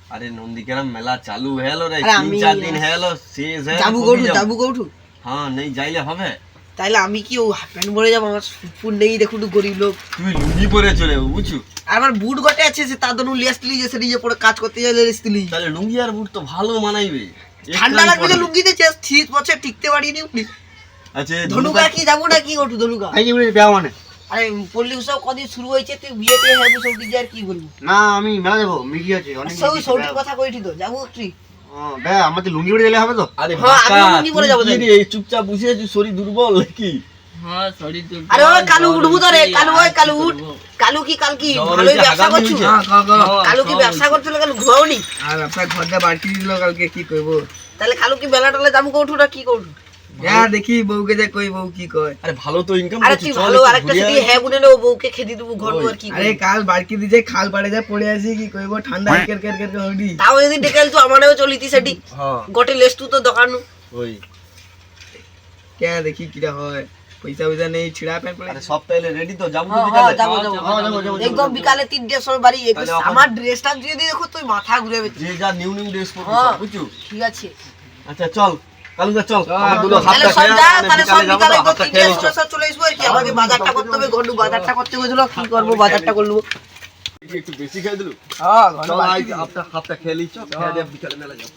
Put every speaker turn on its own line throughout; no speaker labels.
अरे नंदीग्राम मेला चालू है लो रे 3-4 दिन है लो शेष है
যাবো গৌঠু
हाँ नहीं যাইলে হবে
তাইলে আমি কি ও হাফ প্যান্ট পরে যাবো আমার ফুল নেই দেখুন তো গরিব লোক
তুই লুঙ্গি পরে চলে যাবো বুঝছো
আর আমার বুট গটে আছে সে তার জন্য লিয়াসলি যে সেটা যে পরে কাজ করতে যাইলে লিয়াসলি
তাহলে লুঙ্গি আর বুট তো ভালো মানাইবে
ঠান্ডা লাগবে যে লুঙ্গিতে শীত বছর টিকতে পারিনি উনি
আচ্ছা
ধনুকা কি যাবো না কি গঠু ধনুকা
এই যে বিয়া মানে
আরে পল্লী উৎসব কদিন শুরু হয়েছে তুই বিয়েতে হেবু সব দিকে আর কি বলবো
না আমি মেলা যাবো মিটি আছে অনেক
সব সৌটির কথা কইছি তো যাবো তুই
বে আমাদের লুঙ্গি পরে গেলে হবে তো
আরে
হ্যাঁ,
বাকা
আমি লুঙ্গি পরে যাবো
তুই কি রে চুপচাপ বসে আছিস শরীর দুর্বল নাকি
হ্যাঁ শরীর তো
আরে ও কালু উঠবো তো রে কালু ওই কালু উঠ কালু কি কাল কি
জ্বর
ভালোই
হয়েছে,
ব্যবসা
হাগামি
করছো
হয়েছে।
কালু কি ব্যবসা করছিল কালু ঘুমাওনি
আর আপনার ঘরটা বাড়তি দিল কালকে কি করবো
তাহলে কালু কি বেলা টলে যাবো কৌঠু না কি করবো
যা দেখি বউকে যা কই বউ কি কয়
আরে ভালো তো ইনকাম
আরে
করছিস
তুই ভালো আরেকটা সেটি হ্যাঁ বুনে নে ও বউকে খেদি দেবো ঘর
ওই।
দুয়ার কি
আরে কাল বাড়কি দিছে খাল পাড়ে যা পড়ে আছি কি কইবো ঠান্ডা কের কের কের হডি
তাও যদি ডেকেল তো আমারও চলিতি সেটি
হ্যাঁ
গটে লেস তো দোকানু
ওই
কে দেখি কিটা হয় পয়সা পয়সা নেই ছিড়া প্যান্ট পরে
আরে সব তাইলে রেডি তো যাবো তো
হ্যাঁ
বিকালে
যাবো একদম বিকালে 3টের সময় বাড়ি
তাহলে এখন-
আমার ড্রেসটা দিয়ে দিয়ে দেখো তুই মাথা ঘুরে যাবে
যে যা নিউ নিউ ড্রেস পরবি
হ্যাঁ।
সব বুঝছো
ঠিক আছে
আচ্ছা চল কালুদা চল আমার দুটো
তাহলে
হাতটা
সব
খেয়ে
যা
মানে
তাহলে সব
বিকালে যাবো
বিকালে
তো
তো
হাতটা
3টের
খেয়ে
সময় সব চলে আসবো আর কি আমাকে বাজারটা করতে হবে গন্ডু বাজারটা করতে গেছিল কি করবো বাজারটা করবো
একটু বেশি খেয়ে দিলু
হ্যাঁ
চল আজ হাতটা খেয়ে লিচ খেয়ে দে বিকালে মেলা যাবো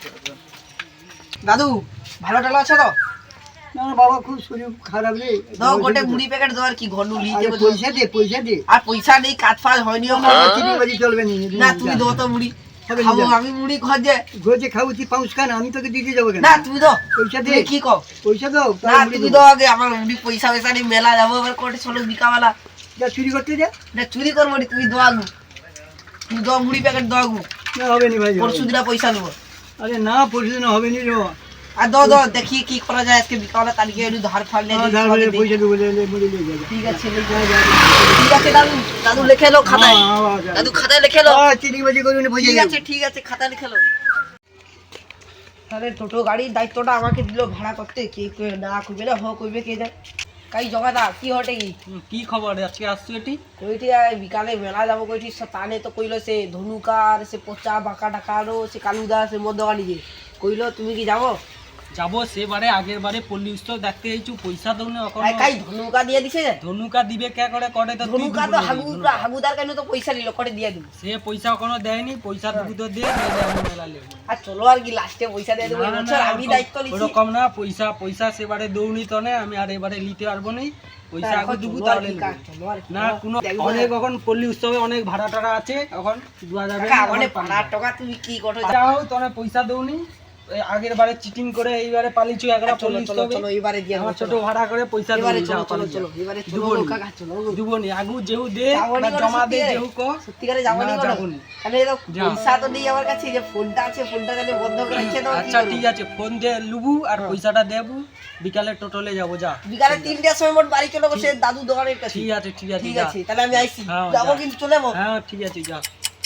দাদু ভালো টালো আছে তো
না বাবা খুব শরীর খারাপ রে
দাও গোটে মুড়ি প্যাকেট দাও আর কি ঘন্ডু লিতে বলছো
পয়সা দে
আর পয়সা নেই কাজ ফাজ হয়নি
চিনি বাজি চলবে
না তুমি দাও তো মুড়ি
হবে
খাবো
না।
আমি মুড়ি খোঁজে
ঘরে খাবো তুই পাউস খান আমি তোকে দিতে যাবো কেন
না তুমি দাও
পয়সা দে
তুমি কি কও
পয়সা দাও
না তুমি দাও আগে আমার মুড়ি পয়সা পয়সা নেই মেলা যাবো এবার কোটে চলো বিকাওয়ালা
যা চুরি করতে যা
না চুরি করবো নি তুমি দাও আগু তুমি দাও মুড়ি প্যাকেট দাও আগু
না হবে নি ভাই
পরশু দিনা পয়সা নেবো
আরে না পরশু দিন হবে নি রে
আর দাও দাও দেখি কি করা যায় আজকে বিকাওয়ালা তারিখে একটু ধার ফার নিয়ে দিই, তোমাকে দিই।
পয়সা দেবো বলে যাবে
ঠিক আছে ঠিক আছে দাদু দাদু লিখে লো খাতায় দাদু খাতায় লিখে লো
চিনি বাজি করবি না পয়সা
ঠিক আছে খাতা লিখে লো তাহলে টোটো গাড়ির দায়িত্বটা আমাকে দিল ভাড়া করতে কে না কইবে না হ কইবে কে যায় কাই জগাদা কি হটে
কি খবর আজকে আসছো এটি
কইটি বিকালে মেলা যাবো কইটি তানে তো কইলো সে ধনুকার সে পচা বাঁকা ডাকারও সে কালুদা সে মদ্যগানি যে কইলো তুমি কি যাবো
যাবো সেবারে আগের বারে পল্লী উৎসব দেখতে এইছু পয়সা দাও না এখন
কাই ধনুকা দিয়ে দিছে
ধনুকা দিবে কে করে করে তো তুই
ধনুকা
দিবি
তো
বলিস, ধনুকা।
হাগুদার কেন তো পয়সা নিল করে দিয়ে দিব
সে পয়সা কোনো দেয়নি পয়সা দুটো তো দে নাহলে আমি মেলা লেবো
আর চলো আর কি লাস্টে পয়সা দিয়ে দেবো এবছর আমি দায়িত্ব নিচ্ছি
ওরকম না পয়সা সেবারে দৌড়নি তো না আমি আর এবারে নিতে পারবো না পয়সা আগে দেবো
চলো আর
তাহলে
কি,
নেবো।
চলো আর কি।
না কোনো
দেখবো
অনেক
না।
এখন পল্লী উৎসবে অনেক ভাড়া টাড়া আছে এখন দেওয়া যাবে
কাকা,
না,
অনেক
এখন
পাড়ার টাকা তুমি কি করো
যাও তোরা পয়সা দৌনি আগের বারে চিটিং করে এইবারে পালিছু একরা
চলো
পল্লী
চলো
উৎসবে
চলো এবারে দিয়ে
আমার
দেবো,
ছোট
চলো।
ভাড়া করে পয়সা
এবারে
দৌনি
চলো
যাও
চলো
পালিয়ে
চলো
যাও।
এবারে চলো
দুবনি।
কাকা চলো
দুবনি আগু যেহু দে
যাবনি
বা
বলো
জমা দে
সত্যি
যেহু ক
সত্যিকারে যাবনি
না,
বলো
যাবনি।
তাহলে তো
যাও।
পয়সা তো নেই আমার কাছে যে ফোনটা আছে ফোনটা তাহলে বন্ধ করে রেখে দাও
আচ্ছা ঠিক আছে ফোন দিয়ে লুবু আর পয়সাটা দেবু বিকালে টোটলে যাবো যা
বিকালে 3টার সময় মোট বাড়ি চলে বসে দাদু দোকানের কাছে
ঠিক আছে ঠিক আছে
ঠিক
যা।
আছে তাহলে আমি আইছি
হ্যাঁ,
যাবো
যা।
কিন্তু চলে যাবো
হ্যাঁ ঠিক আছে যা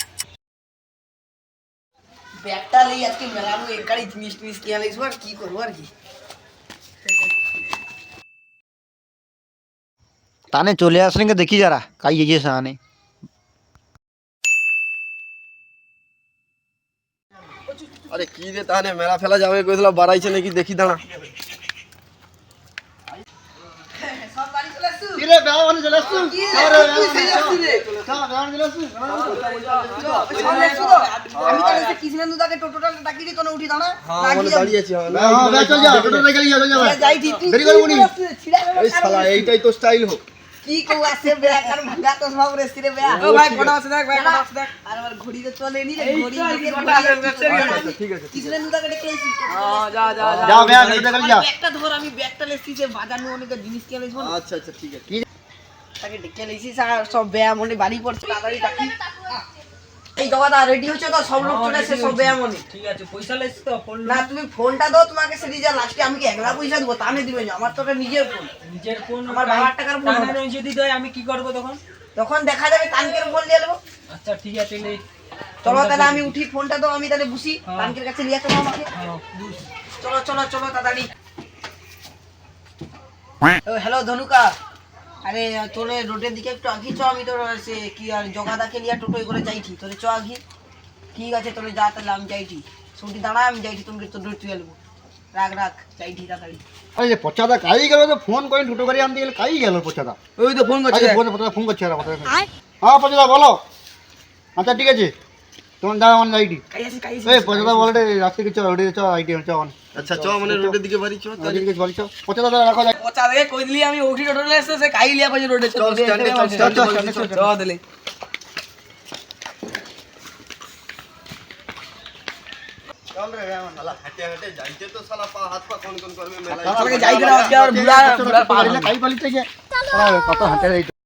ব্যাগটা লই আজকে মেলানো এক গাড়ি জিনিস টিনিস কিনে লাইছো আর কি করবো আর কি
তানে চলে আসলেন দেখি যারা কাই ये সানে
আরে কি রে তাহলে মেলা ফেলা যাবে কইছিল বাড়াইছে নাকি দেখি দাঁড়া
সব বাড়ি চলে আসছো
কি রে বেয়া মানে চলে আসছু
কি রে, তুই সেই আসছিস রে? চল আসছো তো? আমি তাহলে সে কৃষ্ণেন্দু দাকে টোটোটা ডাকি দিই তোনে উঠি দাঁড়া
হ্যাঁ
রাখি
মানে
যাবো।
দাঁড়িয়ে আছি
হ্যাঁ বে চল যা টোটো রে গেলি যা
যাই ঠিক তুই
দেরি করবো নি।
ছিড়া গেল
এই শালা এইটাই তো স্টাইল হোক
কি কও আছে বেয়া কার ভাগা তো সব রে সিরে বেয়া
ও ভাই কোন আছে দেখ ভাই কোন আছে দেখ
আর আমার ঘড়ি তো চলে নি রে ঘড়ি দিকে
ঠিক আছে
কৃষ্ণেন্দু দাকে ডেকে আইছি
যা যা যা
যা বেয়া টোটো গেলি যা
ব্যাগটা ধর আমি ব্যাগটা লেছি যে বাজার নিয়ে অনেক জিনিস কিনে লাইছো
আচ্ছা আচ্ছা ঠিক আছে
তাকে ডেকে লাইছি সব বেয়া মনে বাড়ি পড়ছে তাড়াতাড়ি ডাকি এই জগাদা রেডি হচ্ছে তো সব লোক চলে এসে সব বেয়া মনে
ঠিক আছে পয়সা লেছ তো ফোন
না তুমি ফোনটা দাও তোমাকে সেটি যা লাস্টে আমি কি একলা পয়সা দেবো তা দিবে না আমার তো ওটা নিজের ফোন
নিজের ফোন
আমার বাবার টাকার ফোন
টাকা নয় যদি দেয় আমি কি করব তখন
তখন দেখা যাবে তানকের ফোন দিয়ে দেবো
আচ্ছা ঠিক আছে লে
চলো তাহলে আমি উঠি ফোনটা দাও আমি তাহলে বুঝি
হ্যাঁ।
তানকের কাছে নিয়ে চলো আমাকে
হ্যাঁ বুঝ
চলো চলো চলো তাড়াতাড়ি হ্যালো ধনুকা আরে তোরে রোডের দিকে একটু আগি চ আমি তোর সে কি আর জগাদাকে নিয়ে টোটোই করে যাইছি তোরে চ আগি ঠিক আছে তোরে যা তাহলে আমি যাইছি ছুটি দাঁড়া আমি যাইছি তোমাকে তো দূর তুই এলবো রাখ রাখ যাইছি তাড়াতাড়ি
আরে যে পচাদা কাই গেল তো ফোন করে টোটো গাড়ি আনতে গেলে কাই গেল পচাদা
ওই তো ফোন করছে
আচ্ছা পচাদা ফোন করছে হ্যাঁ পচাদা বলো আচ্ছা ঠিক আছে তোমার দাও আমার আইডি এই পচাদা বলে রাস্তা কিছু ওডি চ আইডি চ
আচ্ছা চ মানে রোডের দিকে বাড়ি চ
আইডি কিছু বলি চ পচাদা রাখো যাই
পচা দেখে কই দিলি আমি ওঠি টোটো এসে সে কাই লিয়া পাইছে রোডে
চল স্ট্যান্ডে চল স্ট্যান্ডে
চ দিলে
চল রে আমার শালা হাঁটে হাঁটে যাইতে তো শালা পা হাত পা কোন করবে মেলা
তাহলে যাই করে আর বুড়া বুড়া
কাই পালিতে যে কত হাঁটে